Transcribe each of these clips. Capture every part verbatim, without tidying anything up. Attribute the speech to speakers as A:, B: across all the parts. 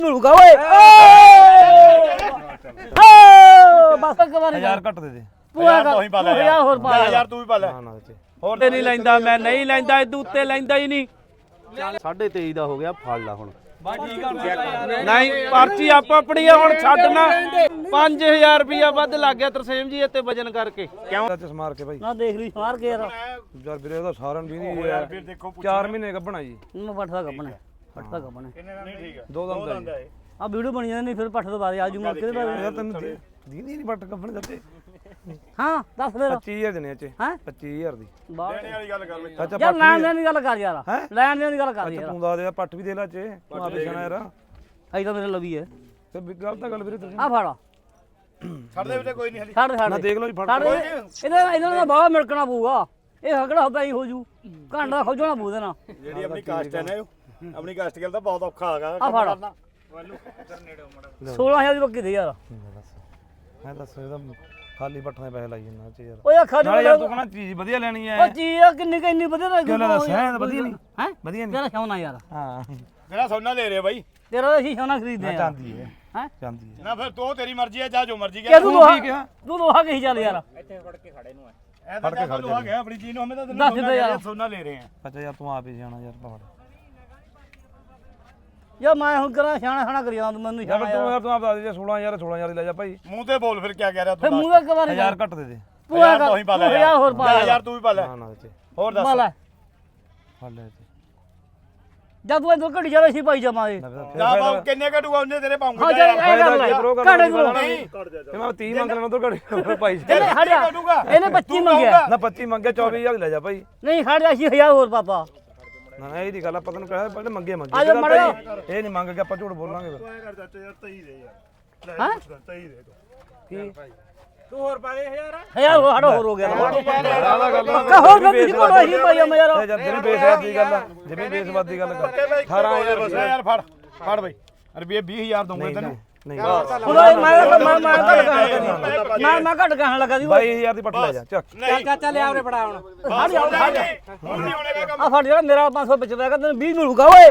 A: ਮਿਲੂਗਾ ਓਏ ਬਸ ਇੱਕ ਵਾਰੀ
B: ਹਜ਼ਾਰ ਘੱਟ ਦੇ ਦੇ
A: ਪੂਰਾ ਕਰ ਹਜ਼ਾਰ ਹੋਰ ਪਾ
C: ਯਾਰ ਤੂੰ ਵੀ ਪਾ ਲੈ
B: ਹੋਰ ਤੇ ਨਹੀਂ ਲੈਂਦਾ ਮੈਂ ਨਹੀਂ ਲੈਂਦਾ ਇਹਦੇ ਉੱਤੇ ਲੈਂਦਾ ਹੀ ਨਹੀਂ
D: ਸਾਢੇ ਤੇਈ ਦਾ ਹੋ ਗਿਆ ਫੜ ਲਾ ਹੁਣ
B: ਨਹੀਂ ਪਰਚੀ ਆਪ ਆਪਣੀ ਆ ਹੁਣ ਛੱਡਣਾ ਪੰਜ ਹਜ਼ਾਰ ਰੁਪਇਆ ਵੱਧ ਲੱਗ ਗਿਆ ਤਰਸੇਮ ਜੀ ਇੱਥੇ ਵਜਨ ਕਰਕੇ ਕਿਉਂ
D: ਚ ਮਾਰ ਕੇ ਭਾਈ
A: ਨਾ ਦੇਖ ਲਈ ਮਾਰ ਕੇ ਯਾਰ
D: ਯਾਰ ਵੀਰੇ ਉਹਦਾ ਸਾਰਨ ਵੀ ਨਹੀਂ ਯਾਰ
C: ਫਿਰ ਦੇਖੋ
D: ਚਾਰ ਮਹੀਨੇ ਕੱਢਣਾ ਜੀ
A: ਮੈਂ ਪੱਠ ਦਾ ਕੱਪਣਾ ਪੱਠ ਦਾ ਕੱਪਣਾ
C: ਨਹੀਂ ਠੀਕ ਆ
D: ਦੋ ਦਮ ਦਾ
A: ਆ ਵੀਡੀਓ ਬਣੀ ਜਾਂਦੀ ਫਿਰ ਪੱਠ ਤੋਂ ਬਾਅਦ ਆ ਜੂਗਾ ਕਿਹਦੇ ਬਾਅਦ
D: ਯਾਰ ਤੈਨੂੰ ਦੀਦੀ ਨਹੀਂ ਵੱਟ ਕੱਢਣ ਦਿੱਤੇ
A: ਹਾਂ ਦੱਸ ਫਿਰ
D: ਪੱਚੀ ਹਜ਼ਾਰ ਦੇਣੇ ਚ
A: ਹੈਂ
D: ਪੱਚੀ ਹਜ਼ਾਰ ਦੀ
A: ਬਾਹਰ
C: ਦੇਣੇ ਵਾਲੀ ਗੱਲ ਕਰ ਲੈ
D: ਅੱਛਾ
A: ਯਾਰ ਲੈਣ ਦੇਣ ਦੀ ਗੱਲ ਕਰ ਯਾਰ ਲੈਣ ਦੇਣ ਦੀ ਗੱਲ ਕਰ ਯਾਰ
D: ਤੂੰ ਦੱਸ ਦੇ ਪੱਟ ਵੀ ਦੇ ਲੈ ਚ ਤੂੰ ਆਪੇ ਜਾਣਾ ਯਾਰ
A: ਅਈ ਤਾਂ ਮੇਰੇ ਲਵੀ ਹੈ
D: ਤੇ ਗੱਲ ਤਾਂ ਗੱਲ ਵੀਰੇ ਤੁਸੀਂ
A: ਆ ਫੜਾ
C: ਛੱਡ ਦੇ ਵੀਰੇ ਕੋਈ ਨਹੀਂ ਹਲੀ
A: ਛੱਡ ਛੱਡ
D: ਨਾ ਦੇਖ ਲਓ ਜੀ ਫੜ
A: ਛੱਡ ਇਹਦਾ ਇਹਨਾਂ ਦਾ ਬਾਹਰ ਮਿਲਕਣਾ ਪਊਗਾ ਇਹ ਹਕੜਾ ਹੁੰਦਾ ਹੀ ਹੋ ਜੂ ਘੰਟਾ ਖੋਜਣਾ ਪਊ ਦੇਣਾ
C: ਜਿਹੜੀ ਆਪਣੀ ਕਾਸਟ ਹੈ ਨਾ ਇਹ ਆਪਣੀ ਕਾਸਟ ਗੱਲ ਤਾਂ ਬਹੁਤ ਔਖਾ ਹੈਗਾ
A: ਆ ਫੜ ਸੋਲਾਂ ਹਜ਼ਾਰ ਦੀ ਬੱਕੀ ਦੇ ਯਾਰ
D: ਮੈਂ ਦੱਸ ਇਹਦਾ ਖਾਲੀ ਪੱਠਾਂ ਦੇ ਪੈਸੇ ਲਾਈ ਜਾਂਦਾ ਚ ਯਾਰ
A: ਓਏ ਅੱਖਾਂ
D: ਨਾਲੇ ਯਾਰ ਤੂੰ ਕਹਿੰਦਾ ਚੀਜ਼ ਵਧੀਆ ਲੈਣੀ
A: ਉਹ
D: ਹੈ
A: ਚੀਜ਼ ਆ ਕਿੰਨੀ ਕਿੰਨੀ ਵਧੀਆ ਲੱਗੀ
D: ਕਿਉਂ ਲੈ ਸਹਿ ਵਧੀਆ ਨਹੀਂ
A: ਹੈ
D: ਵਧੀਆ ਨਹੀਂ
A: ਤੇਰਾ ਸੋਨਾ ਯਾਰ
D: ਹਾਂ
C: ਜਿਹੜਾ ਸੋਨਾ ਲੈ ਰਿਹਾ ਬਾਈ
A: ਤੇਰਾ ਤਾਂ ਅਸੀਂ ਸੋਨਾ ਖਰੀਦਦੇ ਆ
D: ਚਾਂਦੀ ਹੈ
A: ਹੈ
D: ਚਾਂਦੀ ਹੈ
C: ਨਾ ਫਿਰ ਤੂੰ ਤੇਰੀ ਮਰਜ਼ੀ ਹੈ ਜਾ ਜੋ ਮਰਜ਼ੀ
A: ਕਿ
C: ਕਰ
A: ਤੂੰ ਲੋਹਾ
D: ਠੀਕ ਆ।
A: ਤੂੰ ਲੋਹਾ ਕਹੀ ਚੱਲ ਯਾਰ
C: ਐ ਤਾਂ ਜਾ ਲੋਹਾ ਗਿਆ ਆਪਣੀ ਚੀਜ਼ ਨੂੰ ਹਮੇ ਤਾਂ
A: ਦੱਸ ਦੇ ਯਾਰ।
C: ਸੋਨਾ ਲੈ ਰਹੇ ਆ
D: ਅੱਛਾ ਯਾਰ ਤੂੰ ਆਪ ਹੀ ਜਾਣਾ ਯਾਰ ਪਹਾੜ
A: ਯਾ ਮੈਂ ਹੁਣ ਕਰਾਂ ਸਿਆਣਾ ਸਿਆਣਾ ਕਰੀ ਜਾਂਦਾ ਮੈਨੂੰ
D: ਯਾਰ
A: ਸਿਆਣਾ
D: ਤੂੰ
A: ਯਾਰ
D: ਯਾਰ ਤੂੰ ਆਪ ਦੱਸ ਦੇ ਸੋਲਾਂ ਹਜ਼ਾਰ ਸੋਲਾਂ ਹਜ਼ਾਰ ਦੀ ਲੈ ਜਾ ਭਾਈ
C: ਮੂੰਹ ਤੇ ਬੋਲ ਫਿਰ ਕੀ ਕਹਿ ਰਿਹਾ
A: ਫੇ
C: ਤੂੰ
A: ਮੂੰਹ ਦਾ ਇੱਕ ਵਾਰੀ
D: ਹਜ਼ਾਰ ਘੱਟ ਦੇ ਦੇ
A: ਪੂਰਾ ਕਰ
C: ਤੂੰ ਹੀ ਪਾ ਲੈ
A: ਹਜ਼ਾਰ ਹੋਰ ਪਾ ਲੈ
C: ਯਾਰ ਤੂੰ ਵੀ ਪਾ ਲੈ
D: ਨਾ ਨਾ ਤੇ
C: ਹੋਰ ਦੱਸ
A: ਮਾਲਾ
D: ਫੜ ਲੈ ਤੇ
A: ਜਦ ਤੂੰ ਇਧਰ ਘੜੀ ਜਾਵੇ ਸੀ ਪਾਈ ਜਾਵਾਂਗੇ
C: ਨਾ ਬਾਉ ਕਿੰਨੇ ਘਟੂਗਾ ਉਹਨੇ ਤੇਰੇ
A: ਹਾਂ
C: ਪਾਉਂਗੇ
A: ਚੱਲ ਇਹ ਕਰ ਲੈ ਘੜੇ ਕੋਲ
C: ਨਹੀਂ
D: ਇਹ ਮੈਂ ਤੀਹ ਮੰਗ ਲੈਣਾ ਉਧਰ ਘੜੀ ਭਾਈ
A: ਇਹਨੇ ਹੜਿਆ ਇਹਨੇ ਪੱਚੀ ਮੰਗਿਆ
D: ਨਾ ਪੱਚੀ ਮੰਗਿਆ ਚੌਵੀ ਹਜ਼ਾਰ ਲੈ ਜਾ ਭਾਈ
A: ਨਹੀਂ ਖੜ ਜਾ ਸੀ ਹਜ਼ਾਰ ਹੋਰ ਪਾਪਾ
D: ਨਾ ਨਾ ਇਹ ਦੀ ਗੱਲ ਆਪਾਂ ਤੈਨੂੰ ਕਹਿਆ ਪਹਿਲੇ ਮੰਗੇ
A: ਆ
D: ਮੰਗੇ
A: ਜਾ ਮੜਿਆ
D: ਇਹ ਨਹੀਂ ਮੰਗ ਕੇ ਆਪਾਂ ਝੂਠ ਬੋਲਾਂਗੇ ਫਿਰ
C: ਐ ਕਰ ਚਾਚਾ ਯਾਰ ਤਈ ਦੇ ਯਾਰ
A: ਹਾਂ
C: ਤਈ ਦੇ
D: ਕੀ
C: ਤੂੰ ਹੋਰ ਪਾ ਦੇ ਯਾਰ
A: ਹਜ਼ਾਰ ਹੋਰ ਹੜਾ ਹੋਰ ਹੋ ਗਿਆ
D: ਆਹ ਗੱਲ
A: ਪੱਕਾ ਹੋਰ ਫਿਰ ਤੁਸੀਂ ਕੋਲ ਹੀ ਪਾਈ ਜਾ ਯਾਰ
D: ਇਹ ਜਦ ਜਿਵੇਂ ਬੇਸਵਾਦ ਦੀ ਗੱਲ ਆ ਜਿਵੇਂ ਬੇਸਵਾਦ ਦੀ ਗੱਲ ਕਰ
C: ਅਠਾਰਾਂ ਹਜ਼ਾਰ ਯਾਰ ਫੜ ਫੜ ਬਈ ਰੁਪਏ ਵੀਹ ਹਜ਼ਾਰ ਦਊਂਗਾ ਤੈਨੂੰ
D: ਨਹੀਂ
A: ਹੁਣ ਮੈਂ ਮੈਂ ਮੈਂ ਘਟ ਕਹਿਣ ਮੈਂ ਮੈਂ ਘਟ ਕਹਿਣ ਲੱਗਾ ਸੀ
D: ਬਾਈ ਹਜ਼ਾਰ ਦੀ ਪੱਟ ਲੈ ਜਾ ਚੱਕ
C: ਚੱਲ
A: ਚਾਚਾ ਲੈ ਆਵਰੇ ਫੜਾ ਹੁਣ
C: ਹਟ ਜਾ ਹਟ ਜਾ ਹੁਣ ਨਹੀਂ ਹੋਣੇ ਦਾ ਕੰਮ
A: ਆ ਫੜ ਜਿਹੜਾ ਮੇਰਾ ਪੰਜ ਸੌ ਬਚਦਾ ਹੈਗਾ ਤੈਨੂੰ ਵੀਹ ਮਿਲੂਗਾ ਓਏ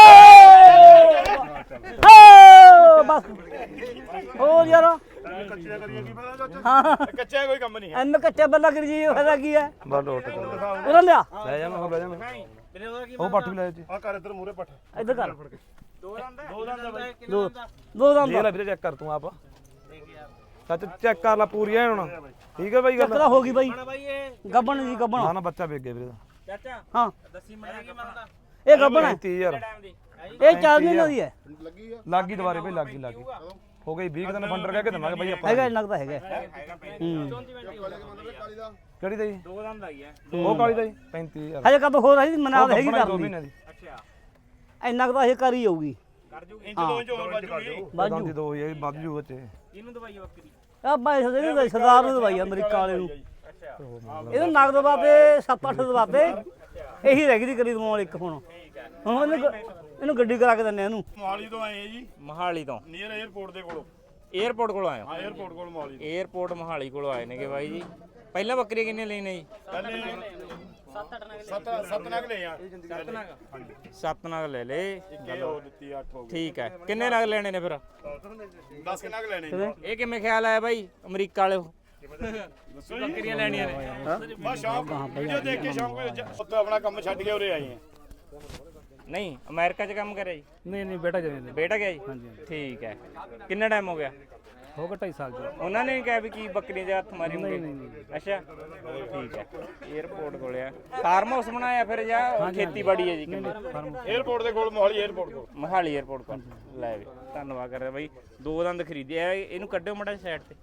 A: ਬਸ ਹੋਰ ਯਾਰ
C: ਕੱਚਿਆ ਕਰੀਏ ਕੀ ਪਤਾ ਚਾਚਾ
A: ਹਾਂ
C: ਕੱਚਿਆ ਕੋਈ ਕੰਮ ਨਹੀਂ ਹੈ
A: ਐਨ ਕੱਚਾ ਬੱਲਾ ਕਰੀ ਜੀ ਫਾਇਦਾ ਕੀ ਹੈ
D: ਬਾ ਲੋਟ ਕਰ
A: ਉਹਨਾਂ ਲਿਆ
D: ਲੈ ਜਾ ਮੈਂ ਹੋਰ ਲੈ ਜਾ ਉਹ ਪੱਟ ਵੀ ਲੈ ਜੀ
C: ਆ ਕਰ ਇੱਧਰ ਮੂਰੇ ਪੱਠ
A: ਇੱਧਰ ਕਰ
C: ਦੋ ਦੰਦ ਦੋ ਦੰਦ ਬਾਈ
A: ਦੋ ਦੋ ਦਮ
D: ਇਹ ਲੈ ਵੀਰੇ ਚੈੱਕ ਕਰ ਤੂੰ ਆਪ ਸੱਚ ਚੈੱਕ ਕਰ ਲੈ ਪੂਰੀ ਐ ਹੁਣ ਠੀਕ ਹੈ ਬਾਈ ਗੱਲ
A: ਚੱਕਰਾ ਹੋ ਗਈ ਬਾਈ ਗੱਬਣ ਜੀ ਗੱਬਣ
D: ਨਾ ਨਾ ਬੱਚਾ ਵੇਚ ਗਿਆ ਵੀਰੇ ਦਾ
E: ਚਾਚਾ
A: ਹਾਂ
E: ਦੱਸੀ ਮਣਾ ਕੀ ਮੰਨਦਾ
A: ਇਹ ਗੱਬਣ ਹੈ
D: ਤੀਹ ਹਜ਼ਾਰ
A: ਇਹ ਚਾਰ ਮਹੀਨੇ ਦੀ ਹੈ
D: ਲੱਗੀ ਦੁਬਾਰੇ ਭਾਈ ਲੱਗੀ ਲੱਗੀ ਹੋ ਗਈ ਵੀਹ ਦਿਨ ਫੰਡਰ ਕਹਿ ਕੇ ਦਵਾਂਗੇ ਬਾਈ ਆਪਾਂ
A: ਹੈਗਾ ਇੰਨਾ ਕੁ ਤਾਂ ਹੈਗਾ ਹੂੰ
D: ਕਿਹੜੀ ਦਾ ਜੀ
E: ਦੋ ਦੰਦ ਆਈ ਹੈ
D: ਉਹ ਕਾਲੀ ਦਾ ਜੀ ਪੈਂਤੀ ਹਜ਼ਾਰ
A: ਹਜੇ ਕਦੋਂ ਹੋਰ ਆਈ ਮਨਾ ਹੈਗੀ
D: ਦੋ
A: ਕਰਨੀ
D: ਮਹੀਨੇ ਦੀ
E: ਅੱਛਾ
A: ਇੰਨਾ ਕੁ ਤਾਂ ਇਹ ਕਰ ਹੀ ਜਾਊਗੀ
E: ਕਰ ਜੂਗੀ
C: ਇੰਚ ਦੋ ਇੰਚ ਹੋਰ ਵੱਜ ਜੂਗੀ
D: ਬਾਜੂ ਦੀ ਦੋ ਇਹ ਵੱਧ ਜੂ ਉੱਤੇ
E: ਇਹਨੂੰ ਦਵਾਈ ਬੱਕਰੀ
A: ਆ ਮੈਂ ਸਦੇ ਸਰਦਾਰ ਨੂੰ ਦਵਾਈ ਅਮਰੀਕਾ ਵਾਲੇ ਨੂੰ
E: ਅੱਛਾ
A: ਇਹਨੂੰ ਨਗਦ ਬਾਬੇ ਸੱਤ ਅੱਠ ਦਵਾਬੇ ਇਹੀ ਰਹਿ ਗਈ ਦੀ ਕਰੀ ਦਵਾਉਣ ਇੱਕ ਹੁਣ ਹੁਣ ਇਹਨੂੰ ਇਹਨੂੰ ਗੱਡੀ ਕਰਾ ਕੇ ਦਿੰਨੇ ਇਹਨੂੰ
C: ਮੋਹਾਲੀ ਤੋਂ ਆਏ ਆ ਜੀ
E: ਮਹਾਲੀ ਤੋਂ
C: ਨੀਅਰ 에ਅਰਪੋਰਟ ਦੇ ਕੋਲੋਂ
E: 에어ਪੋਰਟ ਕੋਲ ਆਏ
C: ਹਾਂ 에ਅਰਪੋਰਟ ਕੋਲ ਮੋਹਾਲੀ ਤੋਂ।
E: 에어ਪੋਰਟ ਮਹਾਲੀ ਕੋਲ ਆਏ ਨੇਗੇ ਬਾਈ ਜੀ ਪਹਿਲਾਂ ਬੱਕਰੀ ਕਿੰਨੇ ਲੈਣੇ ਜੀ
C: ਪਹਿਲੇ ਸੱਤ ਸੱਤ ਨਗ ਲਏ ਆ
E: ਸੱਤ ਨਗ ਸੱਤ ਨਗ ਲੈ ਲੇ
C: ਇੱਕ ਇਹ ਹੋ ਦਿੱਤੀ ਅੱਠ ਹੋ ਗਈ
E: ਠੀਕ ਹੈ ਕਿੰਨੇ ਨਗ ਲੈਣੇ ਨੇ ਫਿਰ
C: ਦਸ ਨਗ ਲੈਣੇ ਜੀ
E: ਇਹ ਕਿਵੇਂ ਖਿਆਲ ਆਇਆ ਬਾਈ ਅਮਰੀਕਾ ਵਾਲੇ ਬੱਕਰੀਆਂ ਲੈਣੀਆਂ ਨੇ
C: ਬਸ ਸ਼ੌਂਕ ਵੀਡੀਓ ਦੇਖ ਕੇ ਸ਼ੌਂਕ ਵਿੱਚ ਉੱਥੇ ਆਪਣਾ ਕੰਮ ਛੱਡ ਕੇ ਉਰੇ ਆਏ ਆ
E: ਨਹੀਂ ਅਮਰੀਕਾ 'ਚ ਕੰਮ ਕਰਿਆ ਜੀ
D: ਨਹੀਂ ਨਹੀਂ ਬੇਟਾ ਜਾਵੇ
E: ਬੇਟਾ ਗਿਆ ਜੀ ਠੀਕ ਹੈ ਕਿੰਨਾ ਟਾਈਮ ਹੋ ਗਿਆ
D: ਹੋ ਗਿਆ ਢਾਈ ਸਾਲ ਜੀ
E: ਉਹਨਾਂ ਨੇ ਕਿਹਾ ਵੀ ਕੀ ਬੱਕਰੀ ਦੇ ਹੱਥ ਮਾਰੀ ਹੋਣਗੇ ਅੱਛਾ ਠੀਕ ਹੈ 에어ਪੋਰਟ ਕੋਲ ਆ ਫਾਰਮ ਹਾਊਸ ਬਣਾਇਆ ਫਿਰ ਜਾਂ ਖੇਤੀਬਾੜੀ ਹੈ ਜੀ ਕਿੰਨੀ
C: 에ਅਰਪੋਰਟ ਦੇ ਕੋਲ ਮੋਹਾਲੀ 에ਅਰਪੋਰਟ ਕੋਲ
E: ਮਹਾਲੀ 에어ਪੋਰਟ ਕੋਲ ਲੈ ਵੀ ਧੰਨਵਾਦ ਕਰਦਾ ਬਾਈ ਦੋ ਦੰਦ ਖਰੀਦਿਆ ਇਹਨੂੰ ਕੱਢਿਓ ਮੜਾ ਸਾਈਡ ਤੇ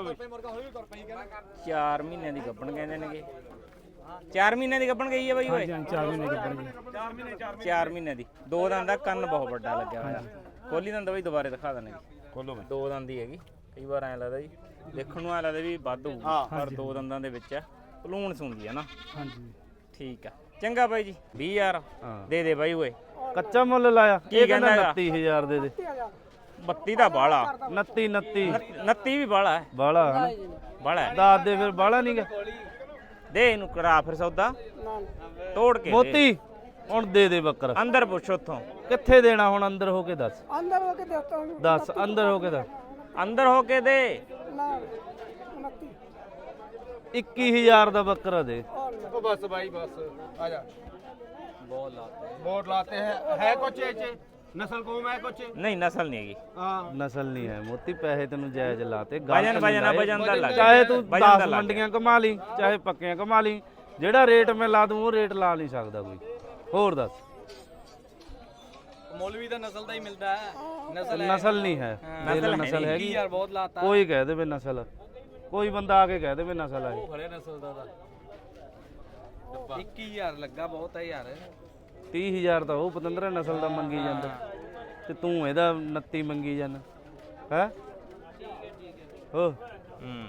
E: ਚਾਰ ਮਹੀਨਿਆਂ ਦੀ ਗੱਭਣ ਕਹਿੰਦੇ ਨੇਗੇ ਚਾਰ ਮਹੀਨਿਆਂ ਦੀ ਗੱਭਣ ਗਈ ਹੈ ਬਾਈ ਓਏ
D: ਚਾਰ ਮਹੀਨੇ ਕੱਢਣਗੇ
E: ਚਾਰ ਮਹੀਨਿਆਂ ਦੀ ਦੋ ਦੰਦ ਦਾ ਕੰਨ ਬਹੁਤ ਵੱਡਾ ਲੱਗਿਆ ਹੋਇਆ ਖੋਲੀ ਦੰਦ ਬਾਈ ਦੁਬਾਰੇ ਦਿਖਾ ਦਿੰਦੇ
C: ਖੋਲੋ ਬਈ
E: ਦੋ ਦੰਦ ਦੀ ਹੈਗੀ ਕਈ ਵਾਰ ਐਂ ਲੱਗਦਾ ਜੀ ਦੇਖਣ ਨੂੰ ਐਂ ਲੱਗਦਾ ਵੀ ਵੱਧ ਹੋਊ ਪਰ ਦੋ ਦੰਦਾਂ ਦੇ ਵਿੱਚ ਭਲੂਣ ਸੁਣਦੀ ਹੈ ਨਾ
D: ਹਾਂਜੀ
E: ਠੀਕ ਆ ਚੰਗਾ ਬਾਈ ਜੀ ਵੀਹ ਹਜ਼ਾਰ ਦੇ ਦੇ ਬਾਈ ਓਏ
D: ਕੱਚਾ ਮੁੱਲ ਲਾਇਆ
E: ਕੀ ਕਹਿੰਦਾ ਹੈਗਾ?
D: ਉਨੱਤੀ ਹਜ਼ਾਰ ਦੇ ਦੇ
E: ਬੱਤੀ ਦਾ ਬਾਲਾ
D: ਉਨੱਤੀ ਉਨੱਤੀ
E: ਉਨੱਤੀ ਵੀ ਬਾਲਾ ਹੈ
D: ਬਾਲਾ ਹਨਾ
E: ਬਾਲਾ ਹੈ
D: ਦੱਸ ਦੇ ਫਿਰ ਬਾਲਾ ਨਹੀਂਗਾ
E: ਦੇ ਇਹਨੂੰ ਕਰਾ ਫਿਰ ਸੌਦਾ ਤੋੜ ਕੇ ਦੇ।
D: ਮੋਤੀ
B: ਹੁਣ ਦੇ ਦੇ ਬੱਕਰਾ।
E: ਅੰਦਰ ਪੁੱਛ ਉੱਥੋਂ
B: ਕਿੱਥੇ ਦੇਣਾ ਹੁਣ? ਅੰਦਰ ਹੋ ਕੇ ਦੱਸ।
F: अंदर होके देखता हूँ
B: ਦੱਸ ਅੰਦਰ ਹੋ ਕੇ ਦੱਸ।
E: ਅੰਦਰ ਹੋ ਕੇ ਦੇ।
F: ना उनतीस
B: ਇੱਕੀ ਹਜ਼ਾਰ ਦਾ ਬੱਕਰਾ ਦੇ।
D: ओ बस भाई बस आ जा बहुत लाते हैं बहुत लाते हैं है कुछ ऐसे नस्ल कौम है कुछ
E: ਨਹੀਂ ਨਸਲ ਨਹੀਂ ਹੈਗੀ।
D: हाँ
B: ਨਸਲ ਨਹੀਂ ਹੈ ਮੋਤੀ, ਪੈਸੇ ਤੈਨੂੰ ਜਾਇਜ਼ ਲਾਤੇ। ਗਲਤ
E: ਵਜਨ
B: ਨਹੀਂ
E: ਵਜਨ ਆ,
B: ਲਾਏ।
E: ਵਜਨ ਦਾ ਲੱਗ
B: ਚਾਹੇ ਤੂੰ
E: ਵਜਨ ਦਾ
B: ਦਸ
E: ਲੱਗ
B: ਮੰਡੀਆਂ ਕਮਾ ਲਈ, ਚਾਹੇ ਪੱਕੀਆਂ ਕਮਾ ਲਈ, ਜਿਹੜਾ ਰੇਟ ਮੈਂ ਲਾ ਦੂੰ ਉਹ ਰੇਟ ਲਾ ਨਹੀਂ ਸਕਦਾ ਕੋਈ। ਹੋਰ ਦੱਸ।
D: मौलवी का नस्ल का ही मिलता है नस्ल
B: ਨਸਲ ਨਹੀਂ ਹੈ।
E: ਨਸਲ
B: ਨਸਲ ਹੈਗੀ।
D: यार बहुत लाता
B: ਕੋਈ ਕਹਿ ਦੇਵੇ ਨਸਲ, ਕੋਈ ਬੰਦਾ ਆ ਕੇ ਕਹਿ ਦੇਵੇ ਨਸਲ ਹੈ।
D: खड़े नस्ल का इक्की यार लगा बहुत है यार
B: ਤੀਹ ਹਜ਼ਾਰ ਤਾਂ ਉਹ ਪਤੰਦਰਾ ਨਸਲ ਦਾ ਮੰਗੀ ਜਾਂਦਾ ਤੇ ਤੂੰ ਇਹਦਾ ਉਨੱਤੀ ਮੰਗੀ ਜਾਂਦਾ ਹੈ। ਹੋ
E: ਹੂੰ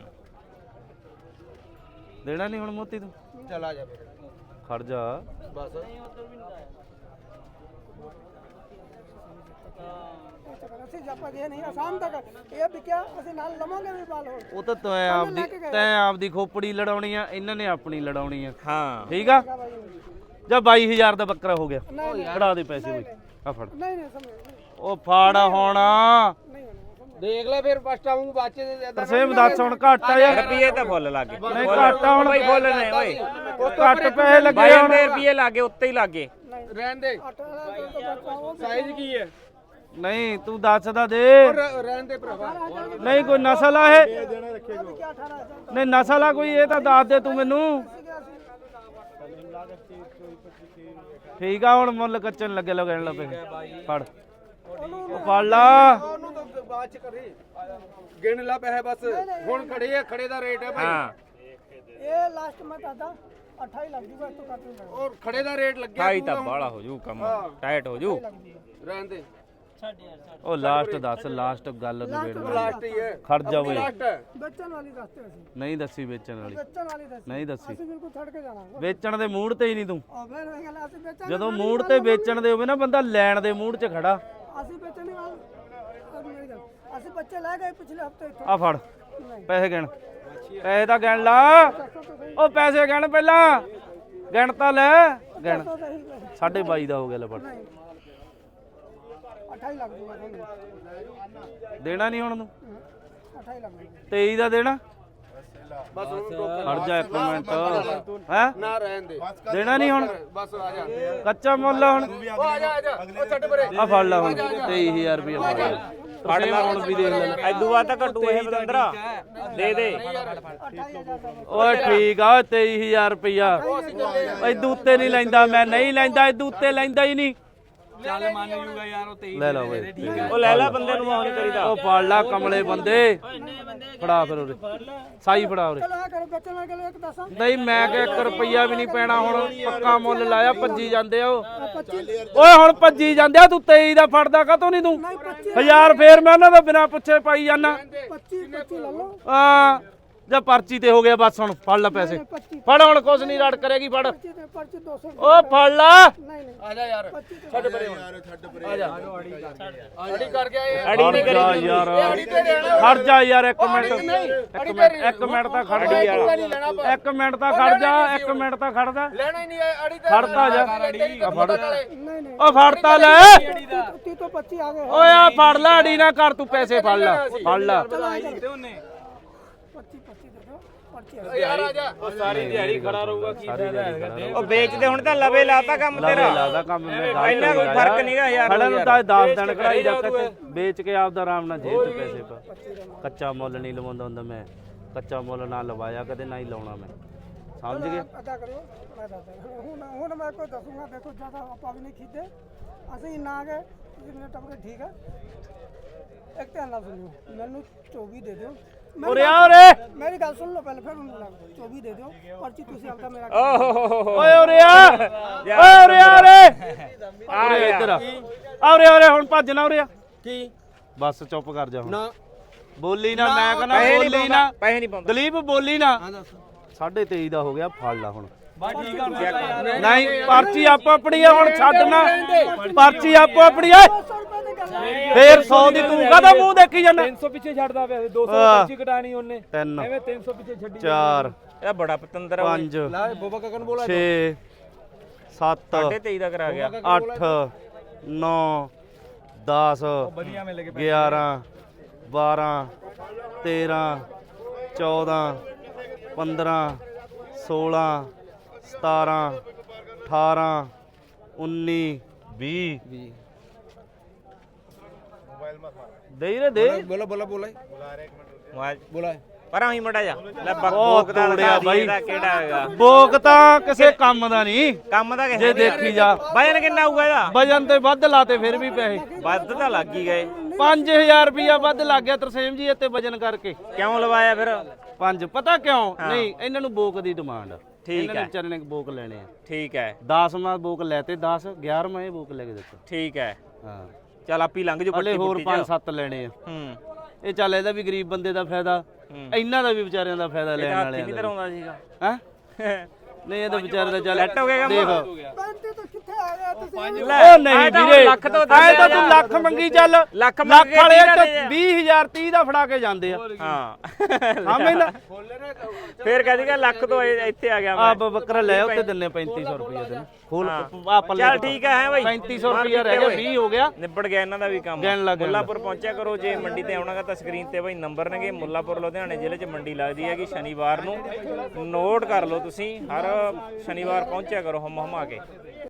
B: ਦੇਣਾ ਨਹੀਂ ਹੁਣ ਮੋਤੀ ਤੂੰ?
D: चला जा
B: ਖੜ ਜਾ।
D: बस
F: ਅਸੀਂ ਜਾਪਾ ਗਏ ਨਹੀਂ ਆਸਾਮ ਤੱਕ ਇਹ ਵੀ ਕਿਆ ਅਸੀਂ ਨਾਲ ਲਵਾਂਗੇ ਵੀ ਬਾਲ ਹੋਰ
B: ਉਹ ਤਾਂ ਤੈਂ ਆਪਦੀ ਤੈਂ ਆਪਦੀ ਖੋਪੜੀ ਲੜਾਉਣੀ ਆ, ਇਹਨਾਂ ਨੇ ਆਪਣੀ ਲੜਾਉਣੀ ਆ।
E: ਹਾਂ
B: ਠੀਕ ਆ ਜਾਂ ਬਾਈ ਹਜ਼ਾਰ ਦਾ ਬੱਕਰਾ ਹੋ ਗਿਆ। ਫੜਾ ਦੇ ਪੈਸੇ ਬਈ ਆ ਫੜ।
F: ਨਹੀਂ ਨਹੀਂ ਸਮਝ
B: ਉਹ ਫੜ ਹੁਣ
D: देख ले फिर फर्स्ट आऊं बाचे दे
B: ਤਰਸੇਮ ਦੱਸ ਹੁਣ ਘੱਟ ਆ ਯਾਰ।
E: ਰੁਪਏ ਤਾਂ ਫੁੱਲ ਲੱਗੇ।
B: ਨਹੀਂ ਘੱਟ ਆ ਹੁਣ
E: ਬਈ ਫੁੱਲ ਨੇ ਓਏ।
B: ਘੱਟ ਪੈਸੇ ਲੱਗੇ
E: ਬਾਈ
B: ਹੁਣ।
E: ਰੁਪਏ ਲੱਗੇ ਉੱਤੇ ਹੀ ਲੱਗੇ।
D: रहन दे साइज की है
B: ਨਹੀਂ ਤੂੰ ਦੱਸ ਦਾ ਦੇ।
D: रहन दे भरावा
B: ਨਹੀਂ ਕੋਈ ਨਸਲ ਆ ਇਹ? ਨਹੀਂ ਨਸਲ ਆ ਕੋਈ? ਇਹ ਤਾਂ ਦੱਸ ਦੇ ਤੂੰ ਮੈਨੂੰ। ਠੀਕ ਆ ਹੁਣ ਮੁੱਲ ਕੱਚਣ ਲੱਗੇ ਲਗਣ ਲੱਪੇ। ਫੜ ਉਹ ਫੜ ਲਾ।
D: ਉਹਨੂੰ ਤਾਂ ਬਾਅਦ ਚ ਕਰੀ ਗਿਣ ਲਾ ਪੈਸੇ ਬਸ ਹੁਣ ਖੜੇ ਆ ਖੜੇ ਦਾ ਰੇਟ ਹੈ ਭਾਈ
E: ਹਾਂ
F: ਇਹ ਲਾਸਟ ਮੈਂ ਦਾਦਾ ਅਠਾਈ ਲੱਗ ਜੂਗਾ ਇਸ ਤੋਂ ਘੱਟ ਨਹੀਂ ਲੱਗਦਾ
D: ਔਰ ਖੜੇ ਦਾ ਰੇਟ ਲੱਗਿਆ
E: ਢਾਈ ਤਾਂ ਬਾਲਾ ਹੋ ਜੂ ਕੰਮ ਟਾਈਟ ਹੋ ਜੂ।
D: ਰਹਿਣ ਦੇ
B: ਉਹ ਲਾਸਟ ਦੱਸ, ਲਾਸਟ ਗੱਲ ਨਿਬੇੜ ਲੈ।
D: ਲਾਸਟ ਹੀ ਹੈ
B: ਖੜ ਜਾ ਬਈ।
D: ਲਾਸਟ ਹੈ
F: ਵੇਚਣ ਵਾਲੀ ਦੱਸਦੇ ਅਸੀਂ
B: ਨਹੀਂ ਦੱਸੀ ਵੇਚਣ ਵਾਲੀ,
F: ਵੇਚਣ ਵਾਲੀ ਦੱਸ
B: ਨਹੀਂ ਦੱਸੀ।
F: ਅਸੀਂ ਬਿਲਕੁਲ ਛੱਡ ਕੇ ਜਾਣਾ
B: ਵੇਚਣ ਦੇ ਮੂਡ ਤੇ ਹੀ ਨਹੀਂ ਤੂੰ।
F: ਆ ਫਿਰ ਇਹ ਗੱਲ ਅਸੀਂ ਵੇਚਣ
B: ਜਦੋਂ ਮੂਡ ਤੇ ਵੇਚਣ ਦੇ ਹੋਵੇ ਨਾ ਬੰਦਾ ਲੈਣ ਦੇ ਮੂਡ 'ਚ ਖੜਾ।
F: ਅਸੀਂ ਵੇਚਣ ਦੀ ਗੱਲ ਅੱਜ ਮੇਰੀ ਗੱਲ ਅਸੀਂ ਬੱਚੇ ਲੈ ਗਏ ਪਿਛਲੇ ਹਫਤੇ ਇੱਥੋਂ
B: ਆ ਫੜ ਪੈਸੇ ਗਿਣ। ਪੈਸੇ ਤਾਂ ਗਿਣ ਲਾ। ਉਹ ਪੈਸੇ ਗਿਣ ਪਹਿਲਾਂ। ਗਿਣ ਤਾਂ ਲੈ ਗਿਣ। ਸਾਢੇ ਬਾਈ ਦਾ ਹੋ ਗਿਆ ਲੈ ਫੜ।
F: ਅਠਾਈ ਲੱਗ ਜੂਗਾ ਤੁਹਾਨੂੰ
B: ਦੇਣਾ ਨਹੀਂ ਹੁਣ ਤੂੰ?
F: ਅਠਾਈ ਲੱਗ ਜੂਗਾ
B: ਤੇਈ ਦਾ ਦੇਣਾ?
D: ਬਸ
B: ਖੜ ਜਾ ਇੱਕ ਮਿੰਟ ਹੈ।
D: ਨਾ ਰਹਿਣ ਦੇ
B: ਦੇਣਾ ਨਹੀਂ ਹੁਣ?
D: ਬਸ ਆ ਜਾ
B: ਕੱਚਾ ਮੁੱਲ ਆ ਹੁਣ।
D: ਉਹ ਆ ਜਾ ਆ ਜਾ ਉਹ ਛੱਡ ਪਰੇ
B: ਆ ਫੜ ਲਾ ਹੁਣ ਤੇਈ ਹਜ਼ਾਰ ਰੁਪਏ ਫੜ ਲੈ। ਫੜ ਲੈ ਹੁਣ ਵੀ ਦੇਖ ਲੈ।
E: ਐਦੂ ਬਾਅਦ ਤਾਂ ਘਟੂ ਇਹ ਬਤੰਦਰਾ ਦੇ ਦੇ।
B: ਓਏ ਠੀਕ ਆ ਤੇਈ ਹਜ਼ਾਰ ਰੁਪਇਆ। ਇਦੂ ਉੱਤੇ ਨਹੀਂ ਲੈਂਦਾ ਮੈਂ, ਨਹੀਂ ਲੈਂਦਾ ਇਦੂ ਉੱਤੇ ਲੈਂਦਾ ਹੀ ਨਹੀਂ।
D: ਚੱਲ ਮੰਨ ਜੂਗਾ ਯਾਰ ਉਹ ਤੇਈ
B: ਲੈ ਲਾ ਓਏ।
E: ਉਹ ਲੈ ਲੈ ਬੰਦੇ ਨੂੰ ਮਾਨ ਕਰੀਦਾ।
B: ਉਹ ਫੜ ਲਾ ਕਮਲੇ ਬੰਦੇ। ਫੜਾ ਫਿਰ ਉਰੇ ਸਾਈ ਫੜਾ ਉਰੇ।
F: ਚਲੋ ਆ ਕਰੋ ਵੇਚਣ ਵਾਲੇ ਕੋਲ ਇੱਕ ਦੱਸਾਂ
B: ਨਹੀਂ ਮੈਂ ਕਿ ਇੱਕ ਰੁਪਈਆ ਵੀ ਨਹੀਂ ਪੈਣਾ ਹੁਣ। ਪੱਕਾ ਮੁੱਲ ਲਾਇਆ। ਭੱਜੀ ਜਾਂਦੇ ਆ ਉਹ।
F: ਪੱਚੀ
B: ਓਏ ਹੁਣ ਭੱਜੀ ਜਾਂਦੇ ਆ। ਤੂੰ ਤੇਈ ਦਾ ਫੜਦਾ ਕਾਤੋਂ ਨਹੀਂ ਤੂੰ?
F: ਨਹੀਂ ਪੱਚੀ
B: ਹਜ਼ਾਰ ਫੇਰ ਮੈਂ ਉਹਨਾਂ ਦਾ ਬਿਨਾਂ ਪੁੱਛੇ ਪਾਈ ਜਾਨਾ।
F: ਪੱਚੀ ਪੱਚੀ ਲੈ ਲਓ
B: ਆ ਜਾਂ ਪਰਚੀ ਤੇ ਹੋ ਗਿਆ ਬਸ। ਹੁਣ ਫੜ ਲੈ ਪੈਸੇ।
F: ਪੱਚੀ
B: ਫੜ ਹੁਣ ਕੁਛ ਨਹੀਂ ਰੜ ਕਰੇਗੀ। ਫੜ
F: ਪੱਚੀ ਤੇ ਪਰਚੀ ਦੋ ਸੌ
B: ਓ ਫੜ ਲਾ।
F: ਨਹੀਂ ਨਹੀਂ
D: ਆ ਜਾ ਯਾਰ
F: ਪੱਚੀ ਤੇ
D: ਛੱਡ ਪਰੇ ਹੁਣ ਆ ਜਾ ਅੜੀ ਕਰ ਗਿਆ ਇਹ
E: ਅੜੀ ਨਹੀਂ
B: ਖੜ ਜਾ
E: ਕਰੀ।
B: ਯਾਰ
D: ਅੜੀ ਤੇ ਰਹਿਣਾ
B: ਖੜ ਜਾ ਯਾਰ ਇੱਕ ਮਿੰਟ। ਇੱਕ ਮਿੰਟ ਇੱਕ ਮਿੰਟ ਤਾਂ ਖੜ ਜਾ ਯਾਰ। ਇੱਕ ਮਿੰਟ ਤਾਂ ਖੜ ਜਾ। ਇੱਕ ਮਿੰਟ ਤਾਂ ਖੜ ਜਾ।
D: ਲੈਣਾ ਹੀ ਨਹੀਂ ਹੈ ਅੜੀ ਤੇ
B: ਖੜਤਾ ਜਾ। ਆ ਫੜ
F: ਨਹੀਂ ਨਹੀਂ
B: ਓ ਫੜਤਾ ਲੈ।
F: ਤੀ ਤੋਂ ਪੱਚੀ ਆ ਗਏ
B: ਓਏ ਆ ਫੜ ਲੈ। ਅੜੀ ਨਾ ਕਰ ਤੂੰ। ਪੈਸੇ ਫੜ ਲੈ ਫੜ ਲੈ।
F: ਪੱਚੀ ਪੱਚੀ ਦੇ ਦਿਓ ਪਰਚੀ
D: ਯਾਰ ਆ ਜਾ
B: ਸਾਰੀ ਦਿਹਾੜੀ ਖੜਾ ਰਹੂਗਾ। ਕੀ ਫਾਇਦਾ?
E: ਉਹ ਵੇਚਦੇ ਹੁਣ ਤਾਂ ਲਵੇ ਲਾਤਾ ਕੰਮ ਤੇਰਾ।
B: ਲਾਦਾ ਕੰਮ ਮੈਂ
E: ਇੰਨਾ ਕੋਈ ਫਰਕ ਨਹੀਂਗਾ ਯਾਰ।
B: ਖੜਾ ਨੂੰ ਤਾਂ ਦਸ ਦਿਨ ਕਢਾਈ ਜਾ ਕੇ ਵੇਚ ਕੇ ਆਪਦਾ ਆਰਾਮ ਨਾਲ ਜੇਬ 'ਚ ਪੈਸੇ ਪਾ। ਕੱਚਾ ਮੁੱਲ ਨਹੀਂ ਲਵਾਉਂਦਾ ਹੁੰਦਾ ਮੈਂ। ਕੱਚਾ ਮੁੱਲ ਨਾ ਲਵਾਇਆ ਕਦੇ, ਨਾ ਹੀ ਲਾਉਣਾ ਮੈਂ। ਸਮਝ ਗਏ?
F: ਅਦਾ ਕਰਿਓ ਮੈਂ ਦੱਸਦਾ ਹੁਣ ਹੁਣ ਮੈਂ ਕੋਈ ਦੱਸੂਗਾ। ਦੇਖੋ ਜਿਆਦਾ ਆਪਾਂ ਵੀ ਨਹੀਂ ਖੀਦੇ ਅਸੀਂ ਨਾ ਗਏ ਤੁਸੀਂ ਮੇਰੇ ਟੱਪਕੇ ਠੀਕ ਹੈ। ਇੱਕ ਧਿਆਨ ਨਾਲ ਸੁਣਿਓ ਮੈਨੂੰ ਚੌਵੀ ਦੇ ਦਿਓ।
B: ਉਰੇ ਆ ਉਰੇ।
F: ਮੇਰੀ ਗੱਲ ਸੁਣ ਲਓ ਪਹਿਲੇ ਫਿਰ ਉਹਨੂੰ ਲੱਗ ਚੌਵੀ ਦੇ ਦਿਓ ਪਰਚੀ ਤੁਸੀਂ ਆਪਦਾ ਮੇਰਾ
E: ਓਹ
B: ਓਏ ਉਰੇ ਆ। ਓਏ ਉਰੇ ਆ ਉਰੇ। ਉਰੇ ਇੱਧਰ ਆ। ਆ ਉਰੇ ਉਰੇ ਹੁਣ ਭੱਜ ਨਾ ਉਰੇ ਆ।
D: ਕੀ
B: ਬਸ ਚੁੱਪ ਕਰ ਜਾ ਹੁਣ।
D: ਨਾ
B: ਬੋਲੀ ਨਾ। ਮੈਂ ਕਹਿੰਦਾ
E: ਪੈਸੇ
B: ਬੋਲੀ
E: ਨਹੀਂ
B: ਨਾ।
E: ਪਾਉਂਦਾ ਪੈਸੇ ਨਹੀਂ ਪਾਉਂਦਾ।
B: ਦਲੀਪ ਬੋਲੀ ਨਾ। ਸਾਢੇ ਤੇਈ ਦਾ ਹੋ ਗਿਆ। ਫੜ ਲਾ ਹੁਣ। ਨਹੀਂ ਪਰਚੀ ਆਪੋ ਆਪਣੀ ਆ ਹੁਣ। ਛੱਡਣਾ ਪਰਚੀ ਆਪੋ ਆਪਣੀ ਆ।
F: ਸੌ ਰੁਪਏ ਦੀ ਗੱਲ ਹੈ।
B: ਫੇਰ ਸੌ ਦੀ ਤੂੰ ਕਾਹਦਾ ਮੂੰਹ ਦੇਖੀ ਜਾਂਦਾ?
D: ਤਿੰਨ ਸੌ ਪਿੱਛੇ ਛੱਡਦਾ ਪਿਆ ਦੋ ਸੌ
B: ਆਹ।
D: ਪਰਚੀ ਕਟਾਣੀ ਉਹਨੇ
B: ਤਿੰਨ
D: ਐਵੇਂ ਤਿੰਨ ਸੌ ਪਿੱਛੇ ਛੱਡੀ
B: ਚਾਰ
E: ਇਹ ਬੜਾ ਪਤੰਦਰ ਆ ਓਏ।
B: ਪੰਜ
D: ਲੈ ਬੋਬਾ ਕਕਨ ਬੋਲਾ
B: ਛੇ ਸੱਤ
E: ਸਾਢੇ ਤੇਈ ਦਾ ਕਰਾ ਗਿਆ
B: ਅੱਠ ਨੌ ਦਸ ਗਿਆਰਾਂ ਬਾਰਾਂ ਤੇਰਾਂ ਚੌਦਾਂ ਪੰਦਰਾਂ ਸੋਲਾਂ ਸਤਾਰਾਂ ਅਠਾਰਾਂ ਉੱਨੀ ਵੀਹ ਦੇ ਰੇ ਦੇ
D: बोला बोला बोला
E: ਮੋਬਾਈਲ
D: बोला
E: ਪਰ ਆਹੀ ਮੜਾ ਜਾ ਲੈ
B: ਉਹ
E: ਬਕਬੋਕ ਦਾ
B: ਤੋੜਿਆ
E: ਲਗਾ
B: ਬਾਈ।
E: ਦੀ ਇਹਦਾ ਕਿਹੜਾ ਹੈਗਾ
B: ਬੋਕ ਤਾਂ ਕਿਸੇ ਕੰਮ ਦਾ ਨਹੀਂ
E: ਕੰਮ ਦਾ
B: ਜੇ
E: ਕਿਸੇ
B: ਦੇਖੀ ਜਾ
E: ਵਜਨ ਕਿੰਨਾ ਆਊਗਾ ਇਹਦਾ
B: ਵਜਨ ਤੇ ਵੱਧ ਲਾਤੇ ਫਿਰ ਵੀ ਪੈਸੇ
E: ਵੱਧ ਤਾਂ ਲੱਗ ਹੀ ਗਏ
B: ਪੰਜ ਹਜ਼ਾਰ ਰੁਪਇਆ ਵੱਧ ਲੱਗ ਗਿਆ ਤਰਸੇਮ ਜੀ ਇੱਥੇ ਵਜਨ ਕਰਕੇ
E: ਕਿਉਂ ਲਵਾਇਆ ਫਿਰ
B: ਪੰਜ ਪਤਾ ਕਿਉਂ ਨਹੀਂ ਇਹਨਾਂ ਨੂੰ ਬੋਕ ਦੀ ਡਿਮਾਂਡ ਆ
E: ਠੀਕ
B: ਇਹਨਾਂ ਨੇ
E: ਹੈ।
B: ਵਿਚਾਰੇ ਨੇ ਬੋਕ ਲੈਣੇ ਆ
E: ਠੀਕ ਹੈ
B: ਦਸ ਮਾਂ ਬੋਕ ਲੈਤੇ ਦਸ ਗਿਆਰਵਾਂ ਇਹ ਬੋਕ ਲੈ ਕੇ ਦਿੱਤਾ
E: ਠੀਕ ਹੈ
B: ਹਾਂ
E: ਚੱਲ ਆਪੀ ਲੰਘ ਜੂ
B: ਹਲੇ
E: ਪੱਟੀ
B: ਹੋਰ
E: ਪੁੱਟੀ
B: ਪੰਜ
E: ਚ
B: ਸੱਤ ਲੈਣੇ ਆ
E: ਹੂੰ
B: ਇਹ ਚੱਲ ਇਹਦਾ ਵੀ ਗਰੀਬ ਬੰਦੇ ਦਾ ਫਾਇਦਾ ਇਹਨਾਂ ਦਾ ਵੀ ਵਿਚਾਰਿਆਂ ਦਾ ਫਾਇਦਾ ਲੈਣ
E: ਹੱਥ
B: ਵਾਲਿਆਂ
E: ਨਹੀਂ
B: ਦਾ
E: ਧਰਾਉਂਦਾ ਸੀਗਾ
B: ਹੈ ਨਹੀਂ ਇਹਦਾ ਵਿਚਾਰੇ ਦਾ ਚੱਲ
E: ਲੈਟ ਹੋ ਗਿਆ ਕੰਮ?
B: ਦੇਖ
F: ਪੈਂਤੀ ਤੋਂ ਕਿੱਥੇ ਆ ਗਿਆ ਤੁਸੀਂ
E: ਲੈ,
B: ਉਹ ਨਹੀਂ
E: ਆਏ ਤਾਂ ਹੁਣ
B: ਵੀਰੇ
E: ਲੱਖ ਤੋਂ
B: ਆਏ ਤਾਂ
E: ਦੱਸਿਆ
B: ਤੂੰ ਲੱਖ ਮੰਗੀ ਚੱਲ
E: ਲੱਖ ਮੰਗ
B: ਲੱਖ
E: ਕੇ
B: ਵਾਲੇ
E: ਤੀਹ ਦਾ
B: ਤਾਂ
E: ਦੇ ਜਾ।
B: ਵੀਹ ਹਜ਼ਾਰ ਤੀਹ ਦਾ ਫੜਾ ਕੇ ਜਾਂਦੇ ਆ
E: ਹਾਂ
B: ਸਮਝਦਾ
E: ਫੇਰ ਕਹਦੀ ਕਿ ਲੱਖ ਤੋਂ ਇਹ- ਇੱਥੇ ਆ ਗਿਆ
B: ਆ
E: ਮੈਂ
B: ਬੱਕਰਾ ਲੈ ਉੱਤੇ ਦਿੰਨੇ ਪੈਂਤੀ ਸੌ ਰੁਪਏ ਤੈਨੂੰ ਖੋਲ ਆ ਪੱਲੇ
E: ਚੱਲ ਠੀਕ ਹੈ ਹੈ ਬਾਈ
B: ਪੈਂਤੀ ਸੌ ਰੁਪਏ ਰਹਿ ਗਿਆ ਵੀਹ ਹੋ ਗਿਆ
E: ਨਿਬੜ ਗਿਆ ਇਹਨਾਂ ਦਾ ਵੀ ਕੰਮ
B: ਗਿਣ ਲਾ, ਗਿਣ ਲਾ।
E: ਮੁੱਲਾਪੁਰ ਪਹੁੰਚਿਆ ਕਰੋ ਜੇ ਮੰਡੀ ਤੇ ਆਉਣਾਗਾ ਤਾਂ ਸਕਰੀਨ ਤੇ ਬਾਈ ਨੰਬਰ ਨੇਗੇ ਮੁੱਲਾਪੁਰ ਲੁਧਿਆਣੇ ਜ਼ਿਲ੍ਹੇ 'ਚ ਮੰਡੀ ਲੱਗਦੀ ਹੈਗੀ ਸ਼ਨੀਵਾਰ ਨੂੰ ਨੋਟ ਕਰ ਲਓ ਤੁਸੀਂ ਹਰ ਸ਼ਨੀਵਾਰ ਪਹੁੰਚਿਆ ਕਰੋ ਹਮ ਹਮਾ ਕੇ